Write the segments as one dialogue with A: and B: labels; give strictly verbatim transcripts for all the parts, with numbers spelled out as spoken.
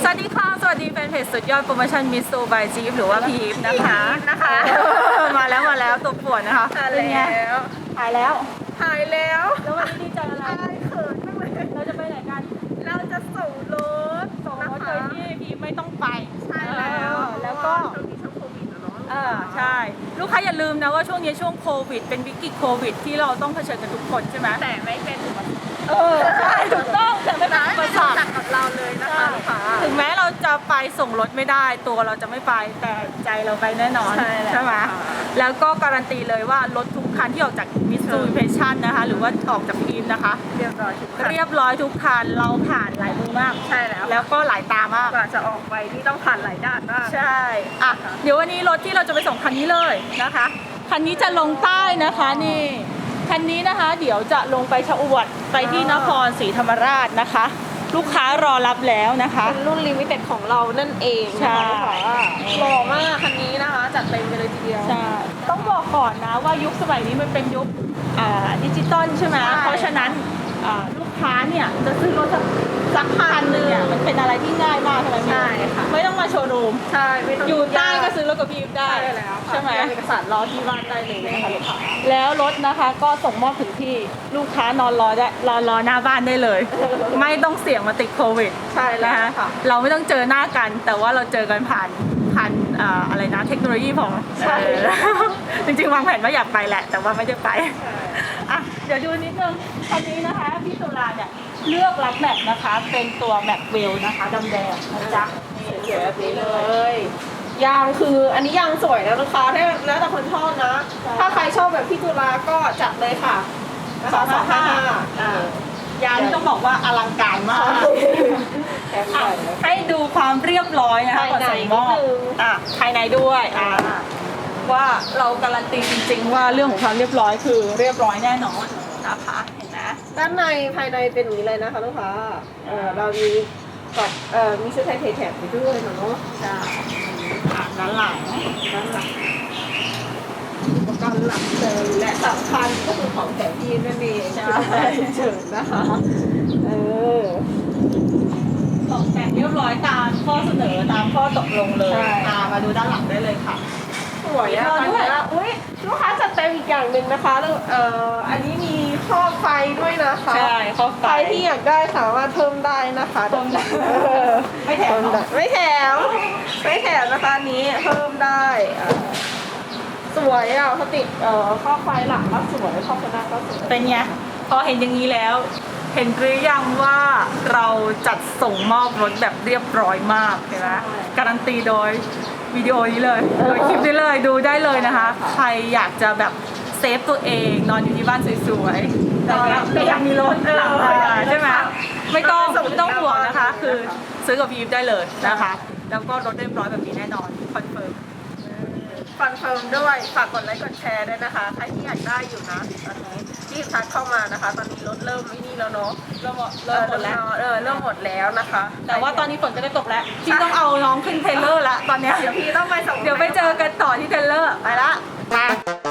A: สวัสดีค่ะสวัสดีแฟนเพจสุดยอดโปรโมชั่นมิสซูบายจีฟหรือว่าพีอีฟนะคะ
B: นะคะ
A: มาแล้วมาแล้วตัวปวดนะคะเป็นไงหายแล้ว
B: หายแล้ว
A: แล้ววันนี้ดีใจอะไร
B: เขินจังเลย
A: เราจะไปไหนกัน
B: เราจะส่งรถ
A: ส่งรถโดยที่พีไม่ต้องไป
B: ใช่แล้ว
A: แล้วก็
B: ช่วงนี้ช่วงโควิดนะเนาะ
A: เออใช่ลูกค้าอย่าลืมนะว่าช่วงนี้ช่วงโควิดเป็นวิกฤตโควิดที่เราต้องเผชิญกันทุกคนใช่ไหม
B: แต่ไม่เป็นอุปสรรค
A: เออใช่ถูกต้องแต่ไม่เป็นอุปสรรค
B: กับเราเลยนะคะลูกค้า
A: ถึงแม้เราจะไปส่งรถไม่ได้ตัวเราจะไม่ไปแต่ใจเราไปแน่นอนใช่ไหมแล้วก็การันตีเลยว่ารถทุกคันที่ออกจากมิสซูบิเพชั่นนะคะหรือว่าออกจากพีมนะคะ
B: เรียบร้อยทุกคัน
A: เรียบร้อยทุกคันเราผ่านหลายมือมาก
B: ใช่แล้ว
A: แล้วก็หลายตามาก
B: กว่าจะออกไปที่ต้องผ่านหลายด้านมาก
A: ใช่อ่ะเดี๋ยววันนี้รถที่เราจะไปส่งคันนี้เลยนะคะคันนี้จะลงใต้นะคะนี่คันนี้นะคะเดี๋ยวจะลงไปชะอวดไปที่นครศรีธรรมราชนะคะลูกค้ารอรับแล้วนะคะ
B: เป็นรุ่นลิมิเต็ดของเรานั่นเอง
A: ใช่
B: หล่อมากคันนี้นะคะจัดเต็มกันเลยทีเดียว
A: ใช่ต้องบอกก่อนนะว่ายุคสมัยนี้มันเป็นยุคดิจิตอลใช่ไหมเพราะฉะนั้นลูกค้าเนี่ยจะซื้อรถสักคันหนึ่งเนี่ยมันเป็นอะไรที่ง่ายมากใช่ไหม
B: ใช่ค่ะ
A: ไม่ต้องมาโชว์รูม
B: ใช่ไม่ต้อง
A: อยู่ใต้ก็ซื้อรถกับพี่ได้ใช่ไหม
B: เอกสารรอที่บ้านได้เลยนะคะลูกค้า
A: แล้วรถนะคะก็ส่งมอบถึงที่ลูกค้านอนรอได้รอรอหน้าบ้านได้เลยไม่ต้องเสี่ยงมาติดโควิด
B: ใช่แล้ว
A: ค่ะเราไม่ต้องเจอหน้ากันแต่ว่าเราเจอกันผ่านผ่านอะไรนะเทคโนโลยีของ
B: ใช่
A: จริงๆวางแผนว่าอยากไปแหละแต่ว่าไม่ได้ไปอ่ะเดี๋ยวดูนิดนึงคันนี้นะคะพี่ตุลาเนี่ยเลือกรับแม็กนะคะเป็นตัวแม็กเวลนะคะดำแดงนะจ๊ะ
B: นี่สวยแบบนี้เลยยางคืออันนี้ยางสวยนะลูกค้าถ้าแล้วแต่คนชอบนะถ้าใครชอบแบบพี่ตุลาก็จัดเลยค่ะ
A: สองสองห้ายางต้องบอกว่าอลังการมากให้ดูความเรียบร้อยนะคะก่อนใส่หม้ออ่ะภายในด้วยอ่ะว่าเราการันตีจริงๆว่าเรื่องของความเรียบร้อยคือเรียบร้อยแน่นอนนะคะเห็นไหม
B: ด้านในภายในเป็นอย่างนี้เลยนะคะลูกค้าเออเรามีกับเอ่อมีชุดไทยแถบไปด้วยเนาะ
A: ใช่อ่ะด้านหลัง
B: ด้านหลังอุปกรณ์หลักเลยและสำคัญก็คือของแถมยีนนั่นเองใช่เฉินนะคะเออ
A: ตกแต่งเรียบร้อยตามข้อเสนอตามข้อตกลงเลยอ่ามาดูด้านหลังได้เลยค่ะ
B: สวยอ่ะด้วยอุ้ยลูกค้าจัดเต็มอีกอย่างหนึ่งนะคะเอ่ออันนี้มีข้อไฟด้วยนะคะ
A: ใช่ข้อไฟ
B: ใครที่อยากได้สามารถเพิ่มได้นะคะ
A: เพิ่มได้ไม่แถม
B: ไม่แถมไม่แถมนะคะนี้เพิ่มได้สวยอ่ะเขาติดเอ่อข้อไฟหลังก็สวยข้อไฟหน้าก็สวย
A: เป็นไงพอเห็นอย่างนี้แล้วเห็นหรือยังว่าเราจัดส่งมอบรถแบบเรียบร้อยมากเห็นไหมการันตีโดยวิดีโอนี้เลยโดยคลิปนี้เลยดูได้เลยนะคะใครอยากจะแบบเซฟตัวเองนอนอยู่ที่บ้านสวยๆแต่ยังมีรถหลังใช่ไหมไม่ต้องไม่ต้องห่วงนะคะคือซื้อกับพีฟได้เลยนะคะแล้วก็รถเรียบร้อยแบบนี้แน่นอนคอนเฟิร์ม
B: คอนเฟิร์มด้วยฝากกดไลค์กดแชร์ด้วยนะคะใครที่อยากได้อยู่นะตอนนี้รีบทักเข้ามานะคะตอนนี้รถเริ่มไม่นี่แล้วเนาะ
A: เริ่มเริ่มหมดแล้ว
B: เออเริ่มหมดแล้วนะคะ
A: แต่ว่าตอนนี้ฝนก็ได้ตกแล้วพี่ต้องเอาน้องขึ้นเทรลเลอร์ละตอนนี้
B: เดี๋ยวพี่ต้องไปส่ง
A: เดี๋ยวไปเจอกันต่อที่เทรลเลอร์ไปละมา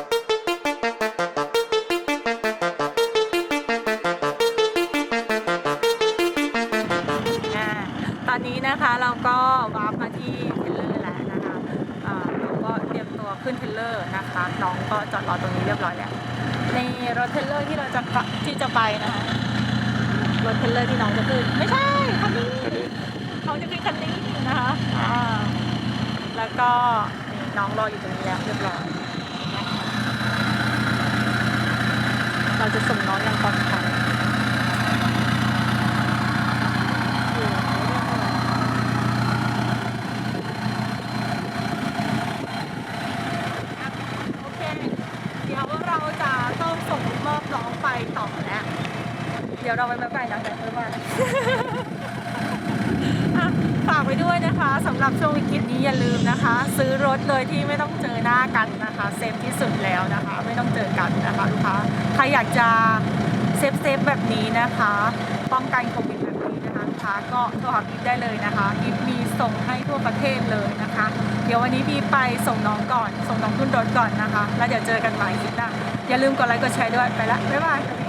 A: ตอนนี้นะคะเราก็วาร์ปมาที่เทรลเลอร์แล้วนะคะเราก็เตรียมตัวขึ้นเทรลเลอร์นะคะน้องก็จอดรอตรงนี้เรียบร้อยแล้วในรถเทรลเลอร์ที่เราจะที่จะไปนะคะรถเทรลเลอร์ที่น้องจะขึ้นไม่ใช่คันนี้น้องจะขึ้นคันนี้นะคะอ่าแล้วก็น้องรออยู่ตรงนี้แล้วเรียบร้อยเราจะส่งน้องอย่างปลอดภัยเดี๋ยวเราไปแบบไปนะแต่เพื่อนว่าฝากไว้ด้วยนะคะสำหรับช่วงวิกฤตนี้อย่าลืมนะคะ ซื้อรถเลยที่ไม่ต้องเจอหน้ากันนะคะเซฟที่สุดแล้วนะคะไม่ต้องเจอกันนะคะลูกค้าใครอยากจะเซฟเซฟแบบนี้นะคะป้องกันโควิดแบบนี้นะคะลูกค้าก็โทรหาพีได้เลยนะคะพีมีส่งให้ทั่วประเทศเลยนะคะเดี๋ยววันนี้พีไปส่งน้องก่อนส่งน้องขึ้นรถก่อนนะคะแล้วเดี๋ยวเจอกันใหม่คลิปหน้าอย่าลืมกดไลค์กดแชร์ด้วยไปละบ๊ายบาย